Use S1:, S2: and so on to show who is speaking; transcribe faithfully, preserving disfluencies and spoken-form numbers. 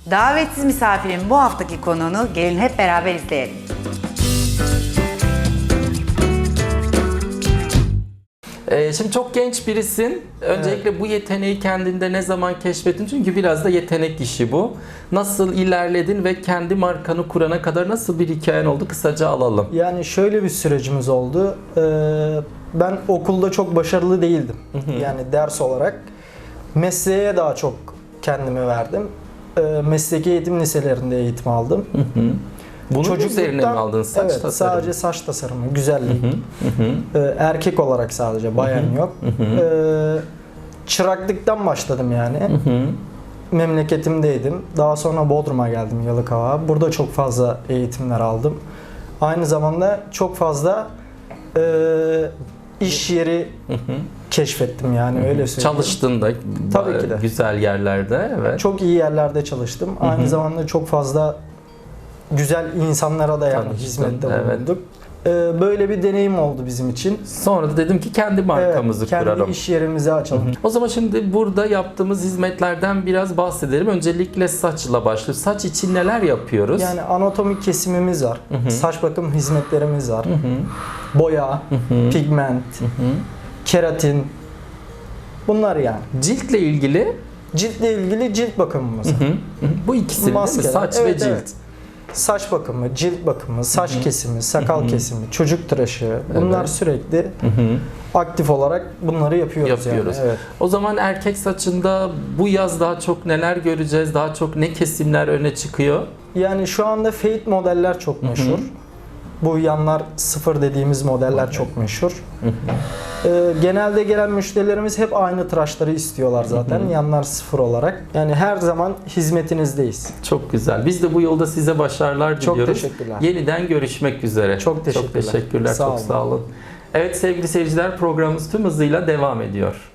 S1: Davetsiz misafirin bu haftaki konuğunu gelin hep beraber izleyelim.
S2: Ee, şimdi çok genç birisin. Öncelikle evet. Bu yeteneği kendinde ne zaman keşfettin? Çünkü biraz da yetenek işi bu. Nasıl ilerledin ve kendi markanı kurana kadar nasıl bir hikayen oldu? Kısaca alalım.
S3: Yani şöyle bir sürecimiz oldu. Ee, ben okulda çok başarılı değildim. Hı hı. Yani ders olarak. Mesleğe daha çok kendimi verdim. Ee, mesleki eğitim liselerinde eğitim aldım.
S2: Hı hı. Bunun üzerine mi aldın saç
S3: evet,
S2: tasarımı?
S3: Sadece saç tasarımı, güzellik.
S2: Hı hı, hı.
S3: Ee, erkek olarak sadece, bayan
S2: Hı hı,
S3: yok.
S2: Hı hı.
S3: Ee, çıraklıktan başladım yani.
S2: Hı hı.
S3: Memleketimdeydim. Daha sonra Bodrum'a geldim, Yalıkavak'a. Burada çok fazla eğitimler aldım. Aynı zamanda çok fazla e, iş yeri
S2: hı hı.
S3: keşfettim yani,
S2: Hı hı.
S3: öyle söyleyeyim.
S2: Çalıştın da
S3: Tabii ki de.
S2: Güzel yerlerde. Evet.
S3: Çok iyi yerlerde çalıştım.
S2: Hı hı.
S3: Aynı zamanda çok fazla güzel insanlara da yani
S2: Tanıştın,
S3: hizmette
S2: evet.
S3: bulunduk. Ee, böyle bir deneyim oldu bizim için.
S2: Sonra da dedim ki kendi markamızı
S3: evet, kendi
S2: kuralım.
S3: Kendi iş yerimizi açalım.
S2: Hı hı. O zaman şimdi burada yaptığımız hizmetlerden biraz bahsedelim. Öncelikle saçla başlıyoruz. Saç için neler yapıyoruz?
S3: Yani anatomik kesimimiz var.
S2: Hı hı.
S3: Saç bakım hizmetlerimiz var.
S2: Hı hı.
S3: Boya,
S2: Hı hı.
S3: pigment,
S2: Hı hı.
S3: keratin. Bunlar yani.
S2: Ciltle ilgili?
S3: Ciltle ilgili cilt bakımımız.
S2: Hı hı. Hı hı. Bu ikisi değil mi? Saç
S3: evet,
S2: ve cilt.
S3: Evet. Saç bakımı, cilt bakımı, saç
S2: Hı-hı.
S3: kesimi, sakal
S2: Hı-hı.
S3: kesimi, çocuk tıraşı. Bunlar
S2: evet.
S3: sürekli
S2: Hı-hı.
S3: aktif olarak bunları yapıyoruz.
S2: Yapıyoruz.
S3: Yani. Evet.
S2: O zaman erkek saçında bu yaz daha çok neler göreceğiz? Daha çok ne kesimler öne çıkıyor?
S3: Yani şu anda fade modeller çok meşhur.
S2: Hı-hı.
S3: Bu yanlar sıfır dediğimiz modeller evet. çok meşhur. Ee, genelde gelen müşterilerimiz hep aynı tıraşları istiyorlar zaten. Hı hı. Yanlar sıfır olarak. Yani her zaman hizmetinizdeyiz.
S2: Çok güzel. Biz de bu yolda size başarılar diliyoruz.
S3: Çok teşekkürler.
S2: Yeniden görüşmek üzere.
S3: Çok teşekkürler.
S2: Çok teşekkürler.
S3: Sağ
S2: çok
S3: olun.
S2: sağ olun. Evet sevgili seyirciler, programımız tüm hızıyla devam ediyor.